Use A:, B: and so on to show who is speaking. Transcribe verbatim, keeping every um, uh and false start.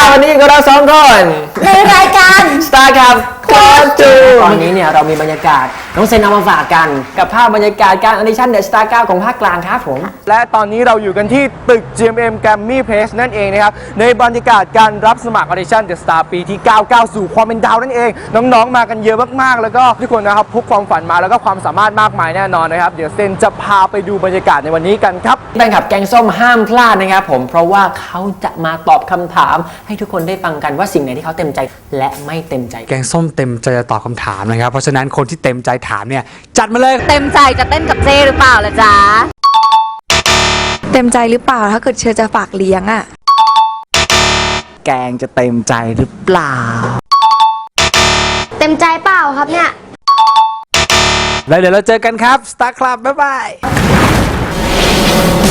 A: วันนี้ก็เราสองคน
B: ในรายการ
A: Star ครับโคจูตอนนี้เนี่ยเรามีบรรยากาศน้องเซนเอามาฝากกันกับภาพบรรยากาศการออดิชั่นเดอะสตาร์เก้าของภาคกลางครับผม
C: และตอนนี้เราอยู่กันที่ตึก จี เอ็ม เอ็ม Grammy Place นั่นเองนะครับในบรรยากาศการรับสมัครออดิชั่น The Star ปีที่ เก้า ก้าวสู่ความเป็นดาวนั่นเองน้องๆมากันเยอะมากๆแล้วก็ทุกคนนะครับพกความฝันมาแล้วก็ความสามารถมากมายแน่นอนนะครับเดี๋ยวเซนจะพาไปดูบรรยากาศในวันนี้กันครับ
A: แฟนคลับแกงส้มห้ามพลาดนะครับผมเพราะว่าเขาจะมาตอบคำถามให้ทุกคนได้ฟังกันว่าสิ่งไหนที่เขาเต็มใจและไม่เต็มใจ
D: แกงส้มเต็มใจจะตอบคำถามนะครับเพราะฉะนั้นคนที่เต็มใจถามเนี่ยจัดมาเลย
B: เต็มใจจะเต้นกับเจ้หรือเปล่าล่ะจ๊ะ
E: เต็มใจหรือเปล่าถ้าเกิดเชอจะฝากเลี้ยงอะ
D: แกงจะเต็มใจหรือเปล่า
B: เต็มใจเปล่าครับเนี่ย
D: แล้วเดี๋ยวเราเจอกันครับ Star Club บ๊ายบาย